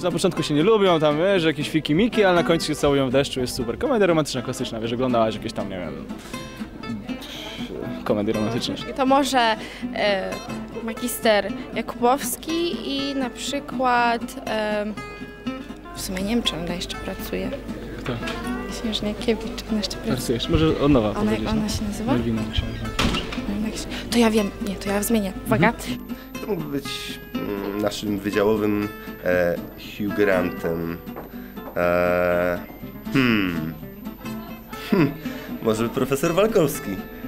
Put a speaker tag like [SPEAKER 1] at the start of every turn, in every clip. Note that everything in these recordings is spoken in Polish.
[SPEAKER 1] Na początku się nie lubią, tam wiesz, jakieś fiki-miki, ale na końcu się całują w deszczu, jest super. Komedia romantyczna, klasyczna, wiesz, oglądałaś jakieś tam, nie wiem, komedie romantyczne.
[SPEAKER 2] To może magister Jakubowski i na przykład, w sumie nie wiem, czy ona jeszcze pracuje.
[SPEAKER 1] Kto?
[SPEAKER 2] Księżniakiewicz, ona jeszcze pracuje.
[SPEAKER 1] Pracujesz, może od nowa
[SPEAKER 2] Ona się nazywa?
[SPEAKER 1] Malwina Księżniakiewicz.
[SPEAKER 2] To ja wiem, nie, to ja zmienię. Uwaga.
[SPEAKER 3] To mógłby być naszym wydziałowym Hugh Grantem. Może profesor Walkowski.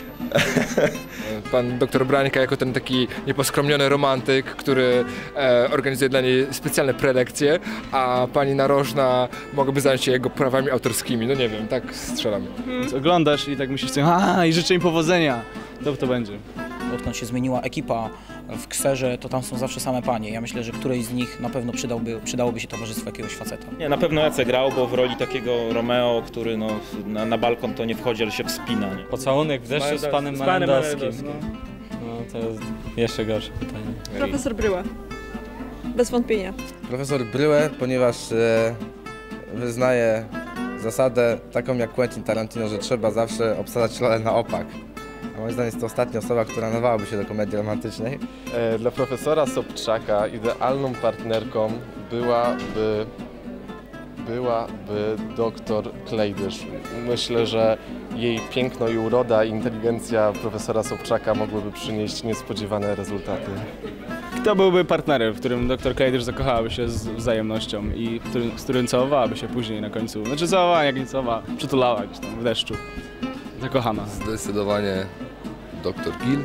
[SPEAKER 4] Pan doktor Brańka jako ten taki nieposkromniony romantyk, który organizuje dla niej specjalne prelekcje, a pani Narożna mogłaby zająć się jego prawami autorskimi. No nie wiem, tak strzelam.
[SPEAKER 1] Więc oglądasz i tak myślisz sobie, i życzę im powodzenia. To będzie.
[SPEAKER 5] Odkąd się zmieniła ekipa w Kserze, to tam są zawsze same panie. Ja myślę, że którejś z nich na pewno przydałoby się towarzystwo jakiegoś faceta.
[SPEAKER 6] Nie, na pewno Jacek grał, bo w roli takiego Romeo, który no, na balkon to nie wchodzi, ale się wspina. Nie?
[SPEAKER 7] Pocałunek w deszczu z panem Malendowskim. No to jest jeszcze gorsze pytanie.
[SPEAKER 8] Profesor Bryła. Bez wątpienia.
[SPEAKER 9] Profesor Bryłę, ponieważ wyznaje zasadę taką jak Quentin Tarantino, że trzeba zawsze obsadzać rolę na opak. A moim zdaniem jest to ostatnia osoba, która nadawałaby się do komedii romantycznej.
[SPEAKER 10] Dla profesora Sobczaka idealną partnerką byłaby doktor Klejdysz. Myślę, że jej piękno i uroda i inteligencja profesora Sobczaka mogłyby przynieść niespodziewane rezultaty.
[SPEAKER 1] Kto byłby partnerem, w którym doktor Klejdysz zakochałaby się z wzajemnością i z którym całowałaby się później na końcu? Znaczy całowała, jak nie całowała, przytulała gdzieś tam w deszczu. Zakochana.
[SPEAKER 11] Zdecydowanie doktor Gil.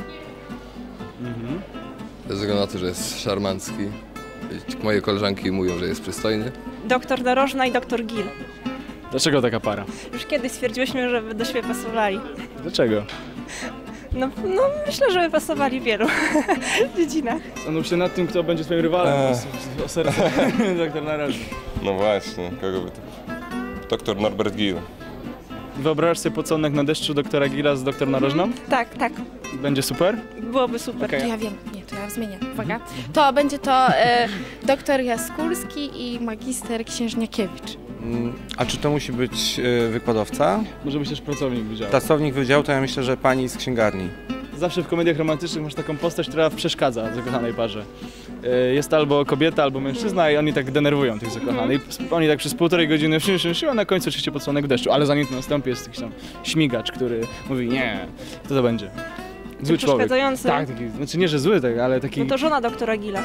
[SPEAKER 11] Ze względu na to, że jest szarmancki. Moje koleżanki mówią, że jest przystojny.
[SPEAKER 8] Doktor Narożna i doktor Gil.
[SPEAKER 1] Dlaczego taka para?
[SPEAKER 8] Już kiedyś stwierdziłyśmy, że by do siebie pasowali.
[SPEAKER 1] Dlaczego?
[SPEAKER 8] No myślę, że by pasowali w wielu dziedzinach.
[SPEAKER 1] Zastanów się nad tym, kto będzie twoim rywalem. O serce. Doktor Narożny.
[SPEAKER 10] No właśnie, kogo by to... Doktor Norbert Gil.
[SPEAKER 1] Wyobrażasz sobie pocałunek na deszczu doktora Gila z doktor Narożną?
[SPEAKER 8] Tak, tak.
[SPEAKER 1] Będzie super?
[SPEAKER 8] Byłoby super.
[SPEAKER 1] Okay.
[SPEAKER 2] To ja wiem, nie, to ja zmienię. Uwaga. To będzie to doktor Jaskulski i magister Księżniakiewicz.
[SPEAKER 12] A czy to musi być wykładowca?
[SPEAKER 1] Może być też pracownik wydziału.
[SPEAKER 12] Pracownik wydziału to ja myślę, że pani z księgarni.
[SPEAKER 1] Zawsze w komediach romantycznych masz taką postać, która przeszkadza zakochanej parze. Jest albo kobieta, albo mężczyzna i oni tak denerwują tych zakochanych. Oni tak przez 1,5 godziny a na końcu oczywiście pocałunek w deszczu, ale zanim to nastąpi jest jakiś tam śmigacz, który mówi nie, kto to będzie? Zły człowiek.
[SPEAKER 8] Przeszkadzający.
[SPEAKER 1] Tak, taki, znaczy nie, że zły, tak, ale taki...
[SPEAKER 8] No to żona doktora Gila.